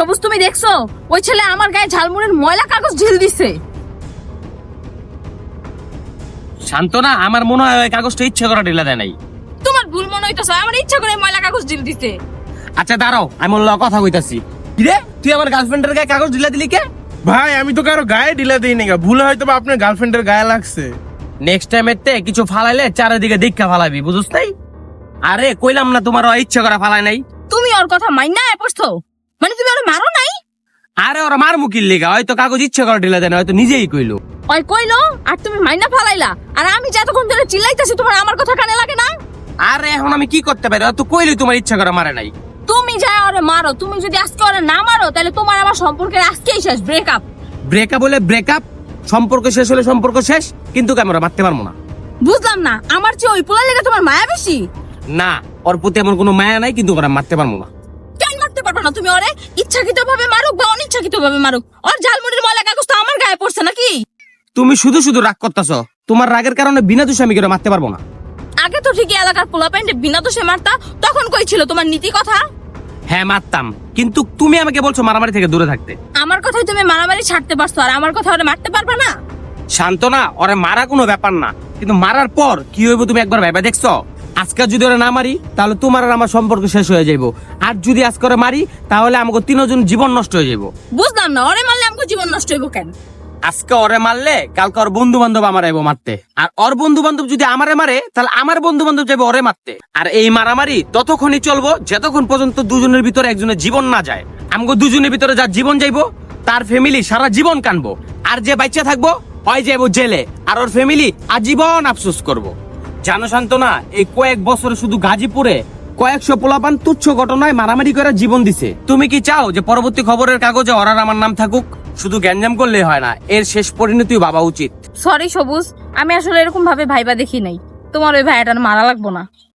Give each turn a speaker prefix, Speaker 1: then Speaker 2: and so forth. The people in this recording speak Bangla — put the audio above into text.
Speaker 1: সবুজ তুমি দেখছো ওই ছেলে আমার গায়ে ঝালমুড়ির ময়লা কাগজ ঢিল দিছে।
Speaker 2: শান্তনা, আমার মনে হয় ওই কাগজটা ইচ্ছে করে ঢেলে দেয় নাই।
Speaker 1: তোমার ভুল মনে হইতাছে, আমার ইচ্ছা করে ময়লা কাগজ ঢিল দিছে।
Speaker 2: আচ্ছা দাঁড়াও, আমি ওর লগে কথা কইতাছি। কিরে, তুই আমার গার্লফ্রেন্ডের গায়ে কাগজ ঢেলে দিলি কে?
Speaker 3: ভাই আমি তো কারো গায়ে ঢিলা দিই না, ভুলে হয়তো বা আপনার গার্লফ্রেন্ডের গায়ে লাগছে।
Speaker 2: নেক্সট টাইম এতে কিছু ফালাইলে চারিদিকে দীক্ষা ফালাবি, বুঝছ নাই? আরে কইলাম না তোমার ইচ্ছে করে ফালাই নাই।
Speaker 1: তুমি ওর কথা মাইনা পড়ছো, মানে তুমি ওরে মারো নাই?
Speaker 2: আরে ওরা মার মুখির লিগা, হয়তো কাগজ ইচ্ছে করে ঢেলে দেয় না, হয়তো নিজেই কইলো।
Speaker 1: ওই কইলো আর তুমি মাইনা ফালাইলা, আর আমি যতক্ষণ ধরে চিল্লাইতেছি তোমার আমার কথা কানে লাগে না?
Speaker 2: আরে এখন আমি কি করতে পারি? তো কইলি তোমার ইচ্ছা করে মারে নাই।
Speaker 1: তুমি যা ওরে মারো, তুমি যদি আজকে ওরে না মারো তাহলে তোমার আমার সম্পর্কের আজকেই শেষ, ব্রেকআপ।
Speaker 2: ব্রেকআপ হলে ব্রেকআপ, সম্পর্ক শেষ হলে সম্পর্ক শেষ, কিন্তু আমরা মারতে পারবো না।
Speaker 1: বুঝলাম না, আমার চেয়ে ওই পোলা লেগে তোমার মায়া বেশি?
Speaker 2: না, ওর প্রতি এমন কোনো মায়া নাই, কিন্তু ওরা মারতে পারবো না।
Speaker 1: কেন মারতে পারবে না তুমি ওরে? ইচ্ছাকৃত ভাবে মারুক বা অনিচ্ছাকৃত ভাবে মারুক, ওর ঝালমুড়ির ময়লা কাগজ তো আমার গায়ে পড়ছে নাকি?
Speaker 2: তুমি শুধু শুধু রাগ করতেছো, তোমার রাগের কারণে বিনা দোষে আমি কেউ মারতে পারবো না।
Speaker 1: আগে তো ঠিকই এলাকার পোলা প্যান্টে বিনা দোষে মারতা, তখন কই ছিল তোমার নীতি কথা?
Speaker 2: হ্যাঁ মারতাম, কিন্তু তুমি আমাকে বলছো মারামারি থেকে দূরে থাকতে।
Speaker 1: আমার কথাই তুমি মারামারি ছাড়তে পারছো, আর আমার কথা ওরে মারতে পারবে না?
Speaker 2: শান্তনা, ওরে মারা কোনো ব্যাপার না, কিন্তু মারার পর কি হইব তুমি একবার ভেবে দেখছো? আজকে যদি ওরা না মারি তাহলে তোমার আর আমার সম্পর্ক শেষ হয়ে যাইব, আর যদি আজকে ওরা মারি তাহলে আমাকে তিনজন জীবন নষ্ট হয়ে যাইব।
Speaker 1: বুঝলাম না, ওরে মারলে আমাকে জীবন নষ্ট হইব কেন?
Speaker 2: আজকে ওরে মারলে কালকে ওর বন্ধু বান্ধব আমার আইব মারতে, আর ওর বন্ধু বান্ধব যদি আমারে মারে তাহলে আমার বন্ধু বান্ধব যাবে ওরে মারতে। আর এই মারামারি ততক্ষণই চলবো যতক্ষণ পর্যন্ত দুজনের ভিতরে একজনের জীবন না যায়। আমাকে দুজনের ভিতরে যার জীবন যাইবো তার ফ্যামিলি সারা জীবন কানবো, আর যে বাচ্চা থাকবো হয় যাবো জেলে, আর ওর ফ্যামিলি আজীবন আফসোস করবো। জানো শান্তনা, এই কয়েক বছরে শুধু গাজীপুরে কয়েকশো পোলাপান তুচ্ছ ঘটনায় মারামারি করে জীবন দিছে। তুমি কি চাও যে পরবর্তী খবরের কাগজে ওরার আমার নাম থাকুক? শুধু গ্যাঞ্জাম করলেই হয় না, এর শেষ পরিণতিও ভাবা উচিত।
Speaker 1: সরি সবুজ, আমি আসলে এরকম ভাবে ভাইবা দেখি নাই। তোমার ওই ভাইয়াটার মারা লাগবো না।